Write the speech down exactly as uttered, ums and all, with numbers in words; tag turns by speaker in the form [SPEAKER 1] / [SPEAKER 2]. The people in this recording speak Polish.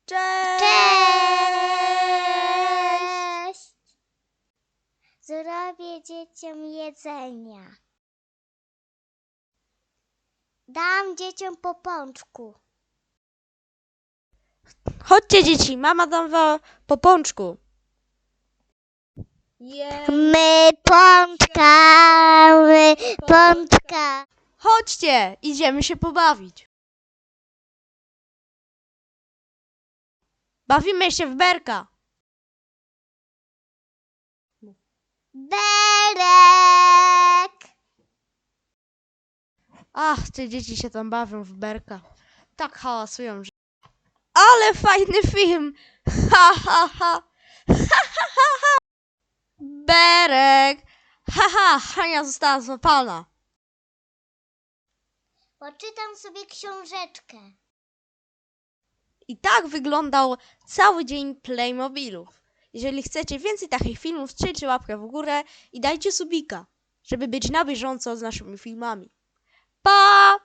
[SPEAKER 1] Cześć!
[SPEAKER 2] Cześć! Zrobię dzieciom jedzenia. Dam dzieciom po pączku.
[SPEAKER 1] Chodźcie dzieci, mama dam wam po pączku.
[SPEAKER 2] My pączka, my pączka.
[SPEAKER 1] Chodźcie, idziemy się pobawić. Bawimy się w berka.
[SPEAKER 2] Berek!
[SPEAKER 1] Ach, te dzieci się tam bawią w berka. Tak hałasują, że... Ale fajny film! Ha, ha, ha! Ha, ha, ha, ha! Berek! Ha, ha! Hania została złapana.
[SPEAKER 2] Poczytam sobie książeczkę.
[SPEAKER 1] I tak wyglądał cały dzień Playmobilów. Jeżeli chcecie więcej takich filmów, strzelcie łapkę w górę i dajcie subika, żeby być na bieżąco z naszymi filmami. Pa!